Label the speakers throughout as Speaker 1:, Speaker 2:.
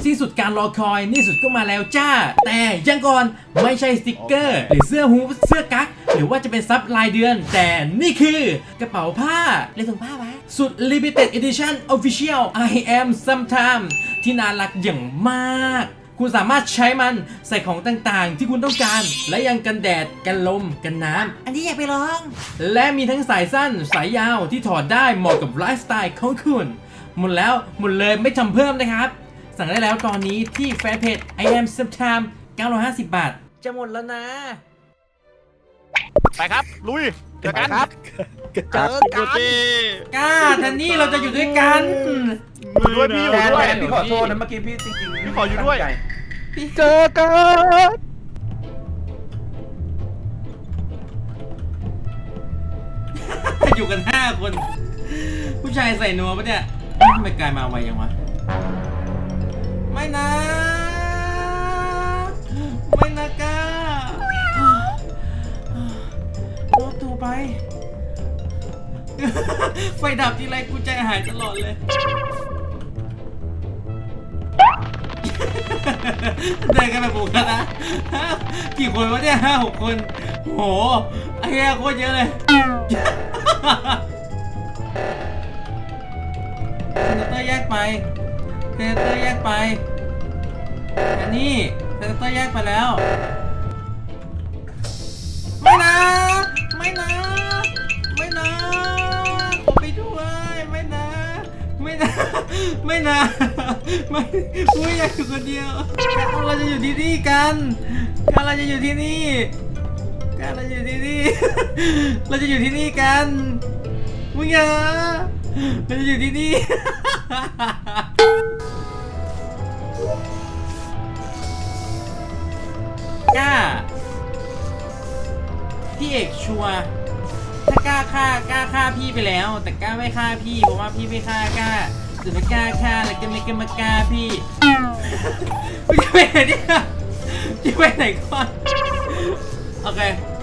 Speaker 1: ที่สุดการรอคอยนี่สุดก็มาแล้วจ้าแต่ยังก่อนไม่ใช่สติกเกอร์หรือเสื้อฮู้เสื้อกั๊กหรือว่าจะเป็นซับรายเดือนแต่นี่คือกระเป๋าผ้าเลยส่งผ้าไว้สุด Limited Edition Official I am sometime ที่น่ารักอย่างมากคุณสามารถใช้มันใส่ของต่างๆที่คุณต้องการและยังกันแดดกันลมกันน้ำอันนี้อยากไปลองและมีทั้งสายสั้นสายยาวที่ถอดได้เหมาะกับไลฟ์สไตล์ของคุณหมดแล้วหมดเลยไม่ทำเพิ่มนะครับสั่งได้แล้วตอนนี้ที่แฟนเพจ I am sometime 950 บาทจะหมดแล้วนะ
Speaker 2: ไปครับลุยเจอกันครับ
Speaker 3: เจอกัน
Speaker 1: ก้าแทนนี่เราจะอยู่ด้วยกัน
Speaker 2: อยู่ด้วยพี่อยู่ด้วย
Speaker 3: พี่ขอโทษนะเมื่อกี้พี่จริงๆ
Speaker 2: พี่ขออยู่ด้วย
Speaker 3: เจอกัน
Speaker 1: อยู่กัน5 คนผู้ชายใส่นัวปะเนี่ยทำไมกลายมาไวยังวะไม่นะไม่นะก้าโอ้ตูไป ไฟดับทีไรกูใจหายตลอดเลย เดินกันแบบบุกกันนะกี่คนวะเนี่ย5-6 คนโหไอ้เหี้ยโคตรเยอะเลยเซนเตอร์แยกไปเซนเตอร์แยกไปอันนี้เซนเตอร์แยกไปแล้วไม่นะไม่นะไม่นะขอไปด้วยไม่นะไม่นะไม่นะไม่กูอยากอยู่คนเดียวเราจะอยู่ที่นี่กันเราจะอยู่ที่นี่เราจะอยู่ที่นี่เราจะอยู่ที่นี่กันมึงอย่าเราจะอยู่ที่นี่กล้าพี่เอกชัวร์ถ้ากล้าฆ่าพี่ไปแล้วแต่กล้าไม่ฆ่าพี่เพราะว่าพี่ไม่ฆ่ากล้าแต่ไม่กล้าฆ่าแล้วก็ไม่มากล้าพี่มึงจะไปไหนเนี่ยจะไปไหนก่อนโอเค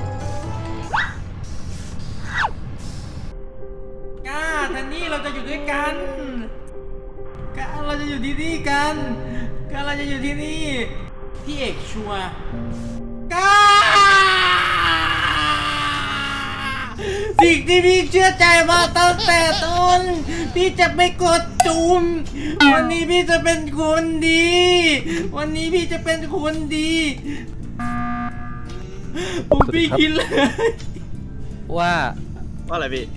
Speaker 1: กล้าทันนี่เราจะอยู่ด้วยกันกล้าเราจะอยู่ที่นี่กันกล้าเราจะอยู่ที่นี่พี่เอกชัวร์กล้าสิ่งที่พี่เชื่อใจมาตั้งแต่ต้นพี่จะไม่กดจุ่มวันนี้พี่จะเป็นคนดีวันนี้พี่จะเป็นคนดีผมพี่คิดเลย
Speaker 4: ว่า
Speaker 2: อะไรพี่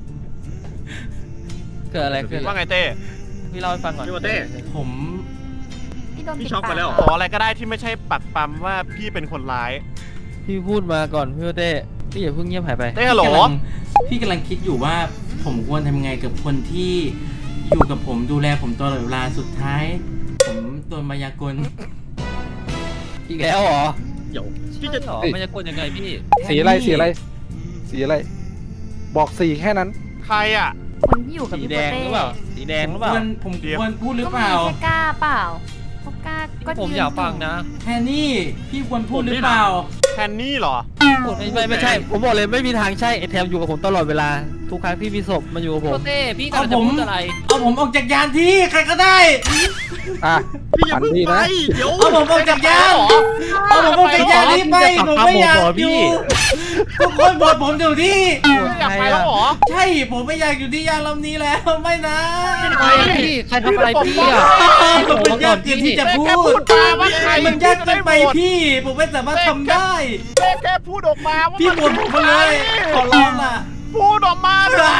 Speaker 4: เกิดอะไรขึ้น
Speaker 2: ว่าไงเต้
Speaker 4: พี่เล่าให้ฟังก่อน
Speaker 2: พี่ว่าเต้
Speaker 1: ผม
Speaker 2: พี่ช็อกไปแล้วขออะไรก็ได้ที่ไม่ใช่ปักปั๊มว่าพี่เป็นคนร้าย
Speaker 4: พี่พูดมาก่อนพี่เต้พี่อย่าเพิ่งเงียบหายไป
Speaker 2: เต้ฮัลโหล
Speaker 1: พี่กำลังคิดอยู่ว่าผมควรทำไงกับคนที่อยู่กับผมดูแลผมตลอดเวลาสุดท้ายผมโดนมายากล
Speaker 4: อีกแล้วเหรอ
Speaker 2: เดี๋ยว
Speaker 4: พี่จะมายากลยังไงพี่
Speaker 3: สีอะไรสีอะไรสีอะไรบอกสีแค่นั้น
Speaker 2: ใครอ่ะ
Speaker 5: คนที่อยู่กับพี่โปเต้
Speaker 4: หรือเปล่าสีแดงหรือเปล่า
Speaker 1: ผมควรพูดหรือเปล่า
Speaker 5: ก็มีแค่กล้าเปล่าเพราะกล้าก็
Speaker 4: ผมอยากฟังนะ
Speaker 1: แทนนี่พี่ควรพูดหรือเปล่า
Speaker 2: แทนนี่เหรอ
Speaker 4: ไม่ใช่ผมบอกเลยไม่มีทางใช่ไอแทมอยู่กับผมตลอดเวลาทุกครั้งที่มีศพมาอยู่กับผม
Speaker 5: เต้พี่
Speaker 1: กำลังจะพูดอะไรเอาผมออกจากยานที่ใครก็ได้
Speaker 2: พี่อย่าเพิ่งไปเดี๋ยว
Speaker 1: เอาผมออกจากยานเอาผมออกจากยานที่ไปผมไม่อยากอยู่ทุกคนบอกผมอยู่ที่
Speaker 2: อยากไปแล้วหรอ
Speaker 1: ใช่ผมไม่อยากอยู่ที่ยานลำนี้แล้วไม่นะ
Speaker 4: พี่ใครทำอะไรพี่อ่ะ
Speaker 1: มันยากเกินที่จะพูดมันยากเกินไปพี่ผมไม่สามารถทำได้
Speaker 2: แค่พูดออกมาว่า
Speaker 1: พี่บ่นผมเลยขอร้องล่ะ
Speaker 2: พูดออกมาเลย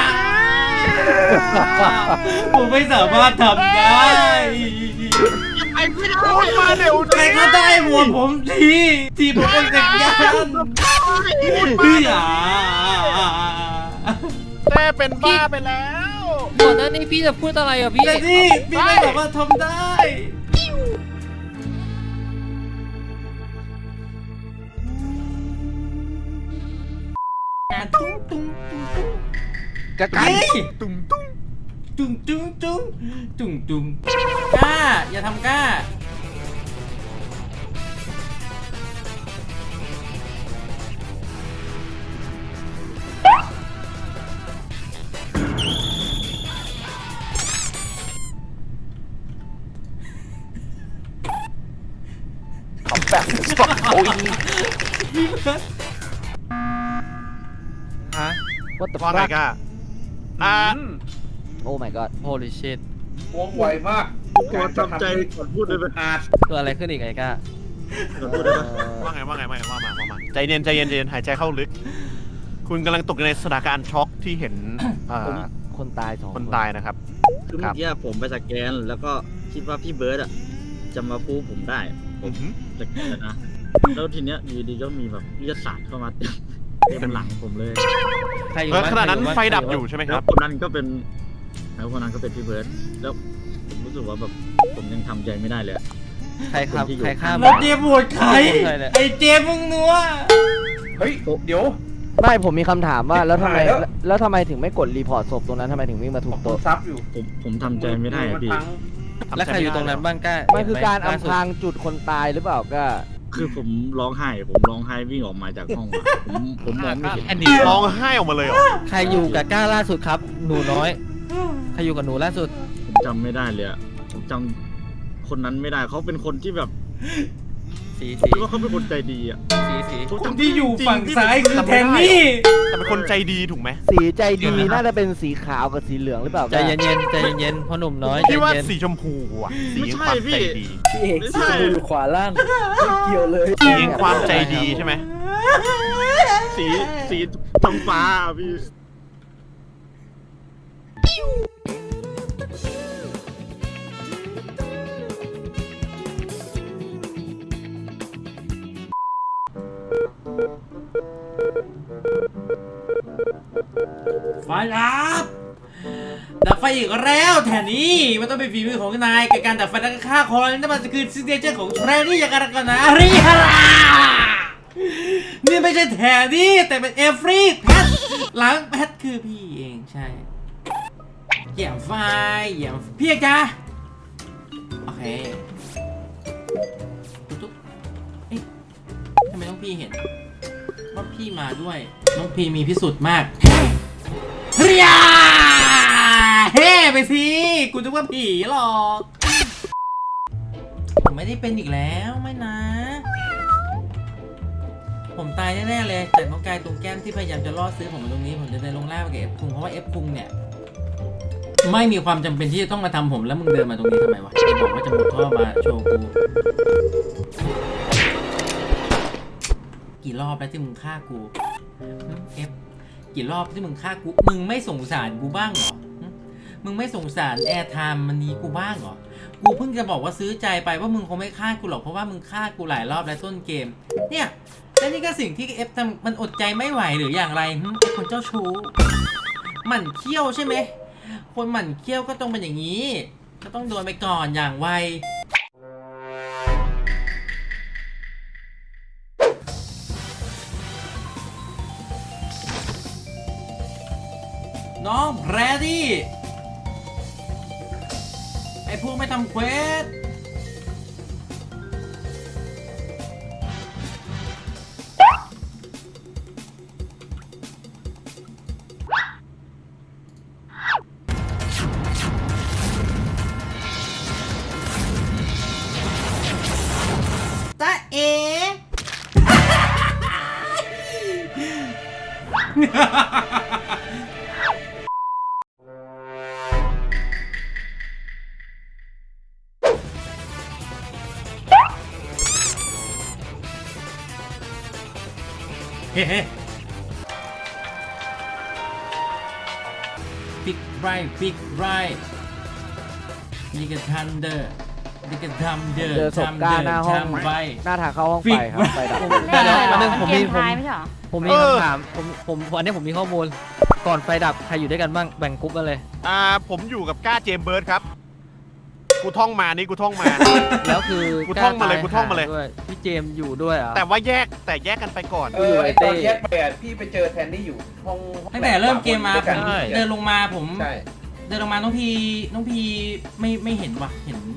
Speaker 1: ผมไม่สามารถทำได้
Speaker 2: ไอ้พี่พูดมาเดี๋ยว
Speaker 1: ใครก็ได้บวชผมทีผมเป็นเด็กยันพี่อย่า
Speaker 2: แม่เป็นบ้าไปแล้ว
Speaker 4: ก่อนหน้านี้พี่จะพูดอะไรอ่ะพี่
Speaker 1: แต่นี่พี่ไม่สามารถทำได้ตุ้งตุ้งตุ้งตุ้ง
Speaker 3: จะกัน
Speaker 1: ตุ้งตุ้งตุ้งตุ้งตุ้งตุ้งตุ้งกล้าอย่าทำกล้า
Speaker 3: แบบโอ้ย
Speaker 4: ฮะ
Speaker 3: what the
Speaker 2: ว่าไง
Speaker 3: fuck
Speaker 2: ก้าอ่า
Speaker 3: โอ้ my god
Speaker 4: holy shit
Speaker 6: วงไวมาก
Speaker 7: ขอทำใจก่อนพูดเลยไหม
Speaker 6: อาจ
Speaker 4: เกิดอะไรขึ้นอีกไอ้ก้า
Speaker 7: ก่อนพูดเลยไหม
Speaker 2: ว่าไงว่ามาใจเย็นหายใจเข้าลึก คุณกำลังตกอยู่ในสถานการณ์ช็อกที่เห็น
Speaker 3: คนตาย2
Speaker 2: คนตายนะครับ
Speaker 7: คือเมื่อกี้ผมไปสแกนแล้วก็คิดว่าพี่เบิร์ดอะจะมาพูดผมได้ผมสแกนนะแล้วทีเนี้ยอยู่ดีก็มีแบบวิทยาศาสตร์เข้ามาเต็มหลังผมเลย
Speaker 4: ใครอยู่
Speaker 2: แล้ว
Speaker 4: บ้าน
Speaker 2: ขณะนั้น
Speaker 4: ใครอยู่บ้าน
Speaker 2: ไฟดับอยู่ใช่ไหมค
Speaker 7: แล้
Speaker 2: รั
Speaker 7: ว
Speaker 2: บ
Speaker 7: คนนั้นก็เป็นพี่เบิร์ดแล้วผมรู้สึกว่าแบบผมยังทำใจไม่ได้เลยอะ
Speaker 4: ใครครับใครฆ่า
Speaker 1: แล้วเจมส์โหวตใคร
Speaker 4: ใครเนี่ย
Speaker 1: ไอ้เจมส์มึงนัว
Speaker 6: เฮ้ยเดี๋ยว
Speaker 3: ไม่ผมมีคำถามว่าแล้วทำไม
Speaker 6: หายแล้ว
Speaker 3: แล้วทำไมถึงไม่กดรีพอร์ตศพตรงนั้นทำไมถึงวิ่งมาถูก
Speaker 6: ผม
Speaker 3: โต๊ะ
Speaker 6: ซับอยู่
Speaker 7: ผมทำใจไม่ได้อะพี่
Speaker 4: แล้วใครอยู่ตรงนั้นบ้างก้า
Speaker 3: มันคือการ
Speaker 4: เห็นไห
Speaker 3: อำพรางจุดคนตายหรือเปล่าก็
Speaker 7: คือผมร้องไห้วิ่งออกมาจากห้องอะผมมองไม่เห็น
Speaker 2: อันนี้ร้องไห้ออกมาเลยเหรอ
Speaker 4: ใครอยู่กับก้าล่าสุดครับ หนูน้อย ใครอยู่กับหนูล่าสุด
Speaker 7: ผมจำไม่ได้เลยอะผมจำคนนั้นไม่ได้เขาเป็นคนที่แบบ
Speaker 4: สี
Speaker 7: คิดว่าเขาเป็นคนใจดีอะ
Speaker 4: สี
Speaker 1: คนที่อยู่ฝั่งซ้ายคือแทนนี่
Speaker 2: แต่เป็นคนใจดีถูกไหม
Speaker 3: สีใจดีน่าจะเป็นสีขาวกับสีเหลืองหรือเปล่า
Speaker 4: ใจเย็นๆใจเย็นๆพ่อหนุ่มน้อยใจ
Speaker 2: พี่ว่า
Speaker 4: เย็น
Speaker 2: สีชมพูอ่ะสี
Speaker 7: ไม่
Speaker 2: แห่ง
Speaker 7: ใช่
Speaker 2: ความ
Speaker 7: พี่
Speaker 2: ใจดี
Speaker 3: พี่เอก
Speaker 7: ไม่ใช่
Speaker 3: อยู่ขวาล่างไม่เกี่ยวเลย
Speaker 2: สีแห่งความใจดีใช่ไหม
Speaker 7: สีท้องฟ้าอะพี่
Speaker 1: ไฟดับไฟอีกแล้วแทนนี่มันต้องเป็นฝีมือของนายกับการดับไฟและฆ่าคนนั่นมันคือซิกเนเจอร์ของแทนนี่อย่างกันกันนะริฮารานี่ไม่ใช่แทนนี่แต่เป็นเอฟรีแพทหลังแพทคือพี่เองใช่เหยียบไฟเหยียบพี่เอกจ้าโอเคตุ๊บเอ๊ะทำไมต้องพี่เห็นว่าพี่มาด้วยน้องพี่มีพิสุทธิ์มากเรียเฮ้ไปสิกูจะว่าผีหรอกผมไม่ได้เป็นอีกแล้วไม่นะ ผมตายแน่ๆเลยจากน้องกายตรงแก้มที่พยายามจะล่อซื้อผมมาตรงนี้ผมจะเดินลงล่างไปกับเอฟคุงเพราะว่าเอฟคุงเนี่ยไม่มีความจำเป็นที่จะต้องมาทำผมแล้วมึงเดินมาตรงนี้ทำไมวะบอกว่าจะมุดท่อมาโชว์กูกี่รอบแล้วที่มึงฆ่ากูเอฟกี่รอบที่มึงฆ่ากูมึงไม่สงสารกูบ้างเหรอมึงไม่สงสารแอร์ไทม์มันนี้กูบ้างเหรอกูเพิ่งจะบอกว่าซื้อใจไปว่ามึงคงไม่ฆ่ากูหรอกเพราะว่ามึงฆ่ากูหลายรอบแล้วต้นเกมเนี่ยและนี่ก็สิ่งที่เอฟทำมันอดใจไม่ไหวหรืออย่างไรไอ้คนเจ้าชู้หมั่นเคี้ยวใช่ไหมคนหมั่นเคี้ยวก็ต้องเป็นอย่างนี้ก็ต้องโดนไปก่อนอย่างไวน้องแพรดี้ไอ้พวกไม่ทำเควสตาเอ ฟิกไรฟิกไรนี่ก็ทันเดอร์นี่ก็ทำเดอร์
Speaker 3: เจอศพกล้าหน้าห้อง
Speaker 1: ทำไป
Speaker 3: หน้าทางเข้าห้องไฟครับไฟดับ
Speaker 4: เดี๋ยวๆนึงผม
Speaker 5: เก
Speaker 4: มี
Speaker 5: มท้ายไม่ใช่เหรอ
Speaker 4: ผมมีคำถามผมอันนี้ผมมีข้อมูลก่อนไฟดับใครอยู่ด้วยกันบ้างแบ่งกรุ๊ปมาเลย
Speaker 2: ผมอยู่กับก้าเจมส์เบิร์ดครับ กูท่องมานี่กูท่องมา
Speaker 4: แล้วคือ
Speaker 2: กูท่องมาเลยกูท่องมาเลย
Speaker 4: ด้วยพี่เจมส์อยู่ด้วยเหรอ่ะ
Speaker 2: แต่ว่าแยกกันไปก่อน
Speaker 6: ไอตอนแยกไปอะพี่ไปเจอแทนนี่อยู่ห้อง
Speaker 1: ตั้งแต่เริ่มเกมมาผม
Speaker 6: ใช่
Speaker 1: เดินลงมาผม
Speaker 6: ใช่
Speaker 1: เดินลงมาน้องพีไม่เห็นว่ะเห็น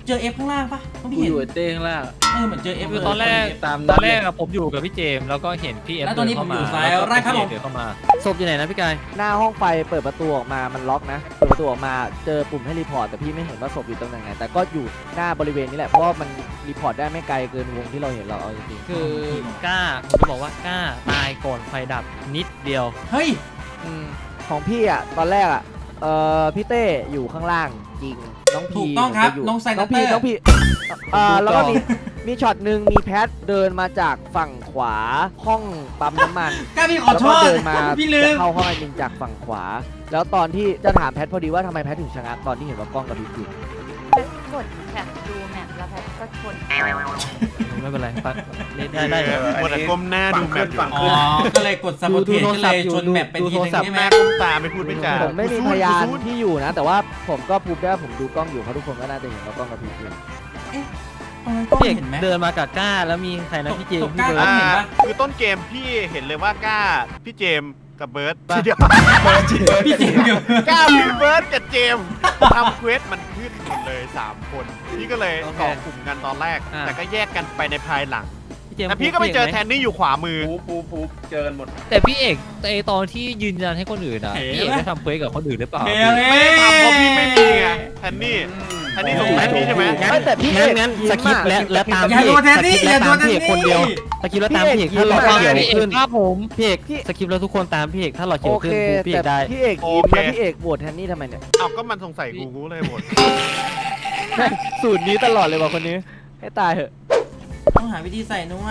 Speaker 1: เจอเอฟข้างล่างปะต้องพี่
Speaker 4: กู
Speaker 1: เห็
Speaker 4: อน ยู่เต้ข้างล่าง
Speaker 1: เหมือนเจอเอฟ
Speaker 4: คือตอนแรก
Speaker 3: ตาม
Speaker 4: ตอนแรก
Speaker 3: นั้นเลย
Speaker 4: อะผมอยู่กับพี่เจมส์แล้วก็เห็นพี่เอฟ
Speaker 1: แล้วตอนนี้ผมอยู่ซ้าย
Speaker 4: แล้วก็
Speaker 1: ไร่ครับผม
Speaker 4: เดินเข้ามาศพอยู่ไหนนะพี่กาย
Speaker 8: หน้าห้องไฟเปิดประตูออกมามันล็อกนะเปิดประตูออกมาเจอปุ่มให้รีพอร์ตแต่พี่ไม่เห็นว่าศพอยู่ตรงไหนแต่ก็อยู่หน้าบริเวณนี้แหละเพราะว่ามันรีพอร์ตได้ไม่ไกลเกินวงที่เราเห็นเราเอาจริงๆ
Speaker 4: คือกล้าผมจะบอกว่ากล้าตายก่อนไฟดับนิดเดียว
Speaker 1: เฮ้ย
Speaker 8: ของพี่อ่ะตอนแรกอ่ะพี่เต้อยู่ข้างล่างจริงน้องพี
Speaker 1: ถูกต้องครับ
Speaker 8: ยู่
Speaker 1: น้องไซนั
Speaker 8: น้
Speaker 1: ต
Speaker 8: อง
Speaker 1: เต
Speaker 8: พี
Speaker 1: อร์
Speaker 8: น้องพีแล้วก็มีช็อตหนึ่งมีแพทเดินมาจากฝั่งขวาห้องปั๊มน้ำมัน
Speaker 1: กล้าพี่ขอ
Speaker 8: แล้ว
Speaker 1: โท
Speaker 8: ก็
Speaker 1: ษ
Speaker 8: เดินมา
Speaker 1: พี่ลื
Speaker 8: จะ
Speaker 1: ม
Speaker 8: เข้าห้องไอมินจากฝั่งขวา แล้วตอนที่จะถามแพทพอดีว่าทำไมแพทถึงชะงักตอนที่เห็นว่ากล้องกับพี่อยู่
Speaker 5: แพทกดแท็บดูแมปแล้วแพทก็ชน
Speaker 4: ไม่เป็นไรปัดได้
Speaker 2: คนอะก้มหน้าดูแมปอยู่
Speaker 6: ฝั่ง
Speaker 1: อ๋อ
Speaker 6: ขึ้น
Speaker 1: ก็เลยกดซับโบเทสก็เลยชนแมปไปทีนึงใช่ไหม
Speaker 2: แม่ก้มตาไม่พูดไม่จา
Speaker 8: ผมไม่มีพยานที่อยู่นะ แต่ว่าผมก็พูดได้ว่าผมดูกล้องอยู่เพราะทุกคนก็น่าจะเห็นว่ากล้องกับพี่อยู่
Speaker 1: ก็
Speaker 4: พี่เอก
Speaker 1: เห็นไหม
Speaker 4: เดินมากับกล้าแล้วมีใครนะพี่เจมส์
Speaker 1: ตก
Speaker 4: พี่
Speaker 1: กล้า
Speaker 4: เบิร์ด
Speaker 1: เห็นปะ
Speaker 2: คือต้นเกมพี่เห็นเลยว่ากล้าพี่เจมส์กับเบิร์ดทีเดียว
Speaker 1: พี่เจมส์เดียว
Speaker 2: กล้าพี่เบิร์ดกับเจมส์ทำเควสมันขึ้นหมดเลย3คนพี่ก็เลยต่อกลุ่มกันตอนแรก แต่ก็แยกกันไปในภายหลัง
Speaker 4: พี่เจมส์
Speaker 2: แต่พี่ก็ไปเจอแทนนี่อยู่ขวามือ
Speaker 6: ปูเจอกันหมด
Speaker 4: แต่พี่เอกแต่ตอนที่ยืนยันให้คนอื่นอ่ะพี่เอกได้ทำเควสกับคนอื่นหรือเปล่า
Speaker 1: เฮ้ย
Speaker 2: ไม่ได้ทำเพราะพี่ไม่มีไงแทนนี่แทนนี่สงสัยพี่ใช่ไหม
Speaker 8: ไม่แต่พี่เอก
Speaker 4: งั้น
Speaker 8: ยิ้ม
Speaker 4: สคริป
Speaker 8: อะ
Speaker 4: ต์และตาม
Speaker 1: อย่า
Speaker 4: พี่
Speaker 1: โด
Speaker 4: เอน ก
Speaker 1: แทนนี่อย่าโดนแทน
Speaker 4: พี่เอกคนเดียว
Speaker 1: นี่
Speaker 4: สคริปต์แล้วตามพี่เอก
Speaker 8: พี่
Speaker 4: ถ้า
Speaker 8: เอก
Speaker 4: เรา
Speaker 8: ยิ้ม
Speaker 4: เขียวขึ้น
Speaker 8: ครับผม
Speaker 4: พี่เอกสคริปต์แล้วทุกคนตามพี่เอกถ้าเราเขีย
Speaker 8: โอ
Speaker 4: วขึ้
Speaker 8: เคน
Speaker 4: พี่เอ
Speaker 8: แต่
Speaker 4: กได้
Speaker 8: พี่เอกยิ้มแล้วพี่เอกโหวตแทนนี่ทำไมเนี่ย
Speaker 2: เอ้าก็มันสงสัยกูเลยหมด
Speaker 8: สูตรนี้ตลอดเลยว่ะคนนี้ให้ตายเถอะ
Speaker 1: ต้องหาวิธีใส่นัว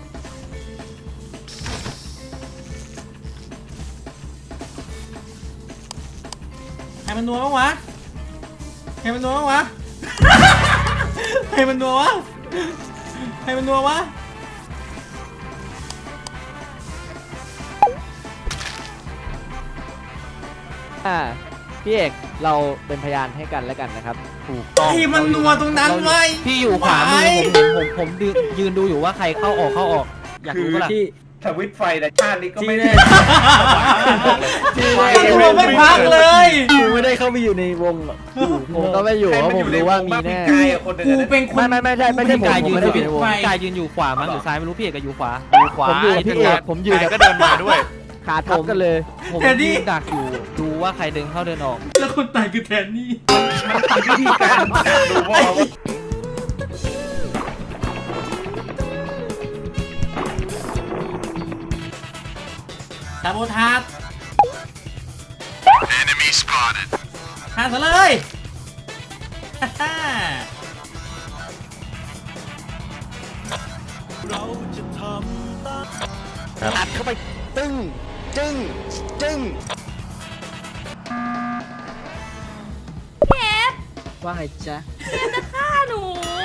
Speaker 1: ใครมันนัวบ้างวะใครมันนัวบ้างวะ ใครมันนัววะใครมันนัววะ
Speaker 8: พี่เอกเราเป็นพยานให้กันแล้วกันนะครับถูก
Speaker 1: ใครมันนัวตรงนั้นไว้
Speaker 4: พี่อยู่ขวามือผมยืนดูอยู่ว่าใครเข้าออกอยากรู้ปะล่ะ
Speaker 6: ทวิตไฟแต่ชาตินี้ก็ไม่ได้
Speaker 1: นัวไม่พักเลย
Speaker 8: กูไม่ได้เข้าไปอยู่ในวงหรอกผมก็ไม่อยู่เพราะผมรู้ว่ามีแน่
Speaker 6: กายอะคนหนึ่ง
Speaker 1: กู
Speaker 6: อะ
Speaker 1: เป็นคน
Speaker 8: ไม่ใช่ผม
Speaker 4: กายยืน
Speaker 8: ไม่
Speaker 4: อ
Speaker 8: ได้
Speaker 4: ยู่
Speaker 8: อยู่ในวง
Speaker 4: กายยืนอยู่ขวามั้งหรือซ้ายไม่รู้พี่เอกก็อยู่ขวา
Speaker 2: อยู่ขวา
Speaker 8: ผมอยู่กับพี่เอกผมอยู่
Speaker 2: กาย
Speaker 8: กับ
Speaker 2: ก็เดินมาด้วย
Speaker 8: ขาทับกันเลย
Speaker 4: ผมยืนดักอยู่ดูว่าใครเดินเข้าเดินออก
Speaker 1: แล้วคนตายคือแทนนี่
Speaker 6: วิธีการดูว่า
Speaker 1: ซาโบทาสหาซะเลยฮ่าฮ่า
Speaker 8: อัดเข้าไปตึ้งจึ้งจึ้ง ว่าไงจ๊ะ
Speaker 5: ฆ่าหนู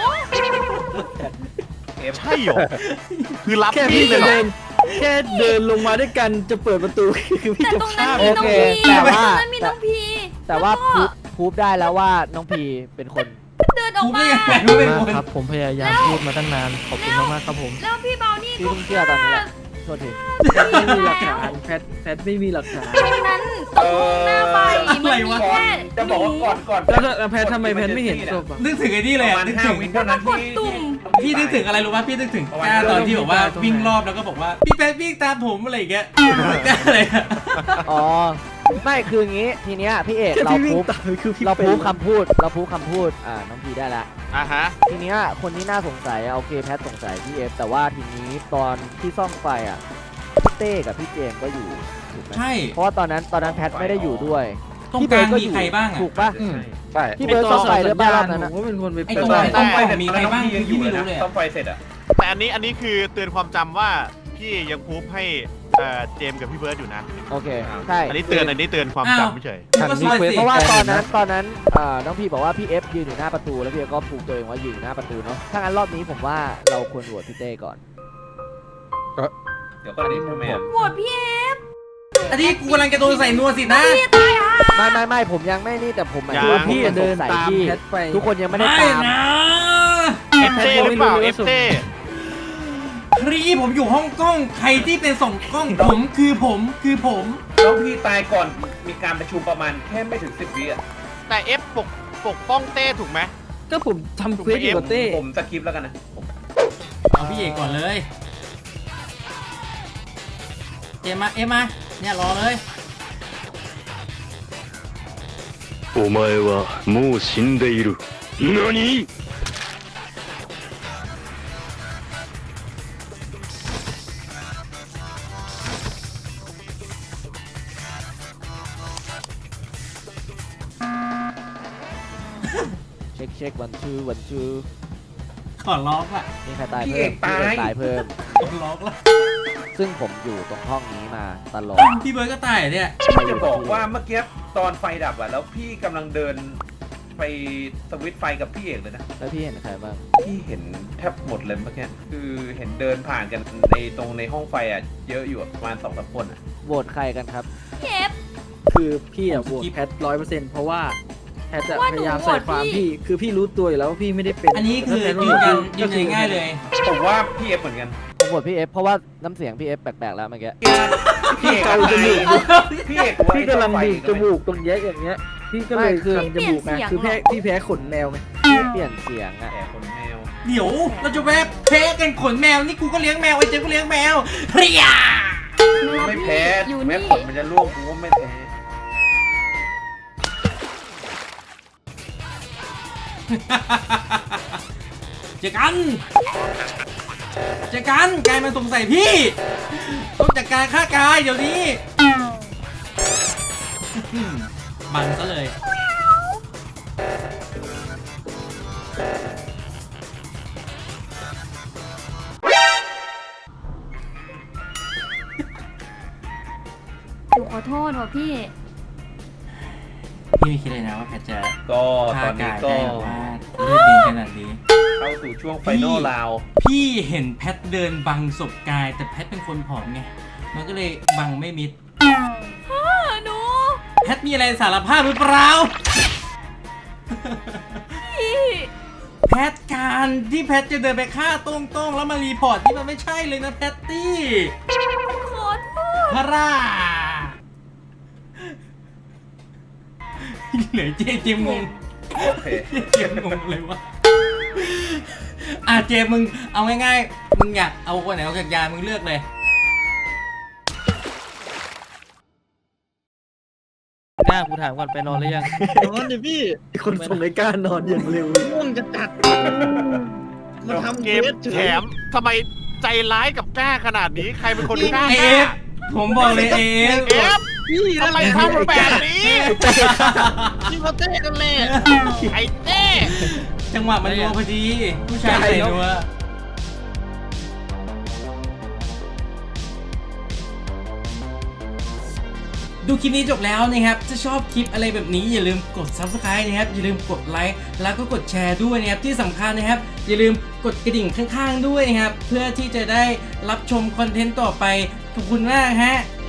Speaker 2: ใช่เหรอ คือรับ
Speaker 8: แค่
Speaker 2: มี
Speaker 8: พี่
Speaker 2: ดเลยเหรอ
Speaker 8: แค่เดินลงมาด้วยกันจะเปิดประตูคือพี่
Speaker 5: แต่
Speaker 8: จะ
Speaker 5: ตรงนั้น
Speaker 8: ฆ่า
Speaker 5: มี
Speaker 8: โอ
Speaker 5: น้อง
Speaker 8: เค
Speaker 5: พี
Speaker 8: แต่
Speaker 5: ตรง
Speaker 8: ว่า
Speaker 5: นั้นมีน้องพี
Speaker 8: แต่ว่า
Speaker 5: แล้วก็
Speaker 8: พูดได้แล้วว่าน้องพีเป็นคน
Speaker 5: เดินออก
Speaker 1: กูไม่
Speaker 5: มา
Speaker 1: ไงรู้เป็น
Speaker 4: มาก
Speaker 1: คน
Speaker 4: ครับผมพยายามพูดมาตั้งนานขอบคุณมากๆครับผม
Speaker 5: แล้วพี่เบานี่
Speaker 8: พี่
Speaker 5: ก็
Speaker 8: เพิ่งเชื่อตอนนี้แหละโทษที
Speaker 5: ไม่มีหลักฐาน
Speaker 8: แพทไม่มีหลักฐาน
Speaker 5: ตรงนั้นตรงหน้าไฟมันมี
Speaker 6: ก่อน
Speaker 5: แค่
Speaker 6: จะบอกว่าก่อน
Speaker 8: แล้วแพททำไมแพทไม่เห็นศพอ่ะ
Speaker 1: นึกถึงไอ้นี่เลย
Speaker 6: ประ
Speaker 1: อะ
Speaker 6: มาณ
Speaker 1: นึก
Speaker 6: 5
Speaker 1: ถึง
Speaker 6: วิเท่านั้น
Speaker 5: กดตุ่ม
Speaker 1: พี่นึกถึงอะไรรู้ป่ะพี่นึกถึงกล้าตอนที่บอกว่าวิ่งรอบแล้วก็บอกว่าพี่แป๊บวิ่งตามผมอะไรอย่างเงี้ยกล้าอะไรอะ
Speaker 8: อ๋อไม่คืออย่างงี้ทีเนี้ยพี่เอกเราพูดคำพูดน้องพีได้ละ
Speaker 2: อ่ะฮะ
Speaker 8: ทีเนี้ยคนที่น่าสงสัยโอเคแพทสงสัยพี่เอฟแต่ว่าทีนี้ตอนที่ซ่อมไฟอ่ะพี่เต้กับพี่เจมส์ก็อยู่ถูกไหม
Speaker 1: ใช่
Speaker 8: เพราะว่าตอนนั้นแพทไม่ได้อยู่ด้วย
Speaker 1: ตรงกลางมีใครบ้างอะ
Speaker 8: ถูกป่ะ
Speaker 3: ใช่
Speaker 8: พี่เบิร์ดซ่อมไฟหรือเปล่ารอบนั้นนะ
Speaker 1: ไอ้ตรงไหนต้องไปมีใครบ้างพี่ไม่รู้เลย
Speaker 6: ต้องไฟเสร็จอ่ะ
Speaker 2: แต่อันนี้คือเตือนความจำว่าพี่ยังพูดให้เจมส์กับพี่เบิร์ดอยู่นะ
Speaker 8: โอเคใช่
Speaker 2: อันนี้เตือนความจำไม่เฉย
Speaker 1: ก็ซอยสิ
Speaker 8: เพราะว่าตอนนั้นน้องพีบอกว่าพี่เอฟยืนอยู่หน้าประตูแล้วพี่เอฟก็ผูกตัวเองว่ายืนอยู่หน้าประตูเนาะถ้างั้นรอบนี้ผมว่าเราควรโหวตพี่เต้ก่อน
Speaker 6: เดี๋ยวก็อันนี้ทำไมอ่ะ
Speaker 5: โหวตพี่เอฟ
Speaker 1: อันนี้กูกำลังจะโดนใส่นัวสินะ
Speaker 5: พี่ตายอ่ะ
Speaker 8: ไม่ผมยังไม่นี่แต่ผมหมายถึงว่าพี่เดินตามแพทไปทุกคนยังไม่ได้
Speaker 1: ไม่
Speaker 8: ตาม
Speaker 1: นะ
Speaker 2: เอฟเต้หรือเปล่าเอฟเต้
Speaker 1: ครีผมอยู่ห้องกล้องใครที่เป็นส่องกล้องผมคือผม
Speaker 6: แล้วพี่ตายก่อนมีการประชุมประมาณแค่ไม่ถึง10 วิอ่ะ
Speaker 2: แต่เอฟปกป้องเต้ถูกไหม
Speaker 4: ก็ผมทำเควสอยู่กับเต้
Speaker 6: ผมสกิปแล้วกันนะผม
Speaker 1: เอาพี่เอกก่อนเลย เจมมาเอ็มมาเนี่ยรอเลย
Speaker 9: お前はもう死んでいる。何？
Speaker 8: เช็ควันชู
Speaker 1: ขอล็อกอะ
Speaker 8: มีใครตาย
Speaker 6: พี่
Speaker 8: เพิ่
Speaker 6: เอ
Speaker 8: ม
Speaker 6: กตาย
Speaker 8: ตายเพิ่ม
Speaker 1: ล็อกแล้ว
Speaker 8: ซึ่งผมอยู่ตรงห้องนี้มาตลอด
Speaker 1: พี่เบิร์ดก็ตายเหรอเนี่ย
Speaker 6: พี่จะบอกว่าเมื่อกี้ตอนไฟดับอะแล้วพี่กำลังเดินไปสวิตช์ไฟกับพี่เอกเลยนะ
Speaker 8: แล้วพี่เห็นใครบ้าง
Speaker 6: พี่เห็นแทบหมดเลยเมื่อกี้คือเห็นเดินผ่านกันในตรงในห้องไฟอะเยอะอยู่อะประมาณ2-3 คนอะ
Speaker 8: โหวตใครกันครับ
Speaker 5: เจ็บ
Speaker 4: คือพี่อะโหวตแพท100%เพราะว่าแพทจะ
Speaker 5: ว่า
Speaker 4: พ
Speaker 5: หนู
Speaker 4: ยายามใส่ความ
Speaker 5: โหวตพี่
Speaker 4: พี่ คือพี่รู้ตัวอยู่แล้วว่าพี่ไม่ได้เป็น
Speaker 1: อันนี้คือ
Speaker 4: แต่ถ้า
Speaker 1: ยืน
Speaker 4: แพ
Speaker 1: ยั
Speaker 4: ท
Speaker 1: น
Speaker 4: โหวต
Speaker 1: ยืนยันง่ายเลย
Speaker 6: ผมว่าพี่เอกเหมือนกัน
Speaker 8: ผมโหวตพี่เอฟเพราะว่าน้ำเสียงพี่เอฟแปลกๆแล้วเมื่อกี้
Speaker 6: พี่เอกอะตายพี่เอก
Speaker 4: พี่กำลังบีบจมูกตรงแยกอย่างเงี้ย พี่ก็เลย
Speaker 8: ไม่คือ
Speaker 4: ทำจมูกไงคือพี่แพ้ขนแมวไง
Speaker 8: เปลี่ยนเสียงอะ
Speaker 6: แก่คนแมว
Speaker 1: เดี๋ยวเราจะแวะแพ้กันขนแมวนี่กูก็เลี้ยงแมวไอ้เจ๊ก็เลี้ยงแมวเฮีย
Speaker 6: ไม่แพ้
Speaker 5: อยู่
Speaker 6: แม้
Speaker 5: นี่
Speaker 6: ผลมันจะร่วงกูก็ไม่แพ้
Speaker 1: เจอกันกายมันสงสัยพี่ต้องจัดการฆ่ากายเดี๋ยวนี้บังซะเลย
Speaker 5: หนูขอโทษว่ะพี่
Speaker 1: พี่ไม่คิดเลยนะว่าแพทจะ
Speaker 6: ก็ต
Speaker 1: ฆ่า
Speaker 6: อนนี้
Speaker 1: กาย
Speaker 6: ก็
Speaker 1: ได้แบบว่าเลือดเย็นขนาดนี้
Speaker 6: เข้าสู่ช่วงไฟนอลราว
Speaker 1: พี่เห็นแพทเดินบังศพกาย แต่แพทเป็นคนผอมไง มันก็เลยบังไม่มิด
Speaker 5: หนู
Speaker 1: แพทมีอะไรสารภาพหรือเปล่า
Speaker 5: พี่
Speaker 1: แพทการที่แพทจะเดินไปฆ่าโต้งๆแล้วมารีพอร์ตที่มันไม่ใช่เลยนะแพตตี้
Speaker 5: ขอโทษ
Speaker 1: พระราเหลือเจมงง
Speaker 6: โอเค
Speaker 1: เจมงงเลยวะเจมมึงเอาง่ายๆมึงอยากเอาคนไหนเอาจากยามึงเลือกเลย
Speaker 4: หน้ากูถามก่อนไปนอนหรือยัง
Speaker 7: นอนดิพี่
Speaker 4: คนส่งไอ้ก้านอนอย่างเร็ว
Speaker 7: ง่วงจะจัดมาทำ
Speaker 2: เก
Speaker 7: เก
Speaker 2: ม
Speaker 7: มเฉ
Speaker 2: แถ
Speaker 7: ย
Speaker 2: มทำไมใจร้ายกับกล้าขนาดนี้ ใครเป็นคนกล้า
Speaker 1: เอฟผมบอกเลยเอฟ
Speaker 2: เอฟทำไมทำแบบนี้
Speaker 7: พี่เขาเต้กันเลย
Speaker 2: ไอ้เต้
Speaker 1: จังหวะมันนัวพอดี ผู้ชายใส่นัวดูคลิปนี้จบแล้วนะครับถ้าชอบคลิปอะไรแบบนี้อย่าลืมกด Subscribe นะครับอย่าลืมกดไลค์แล้วก็กดแชร์ด้วยนะครับที่สำคัญนะครับอย่าลืมกดกระดิ่งข้างๆด้วยนะครับเพื่อที่จะได้รับชมคอนเทนต์ต่อไปขอบคุณมากฮะ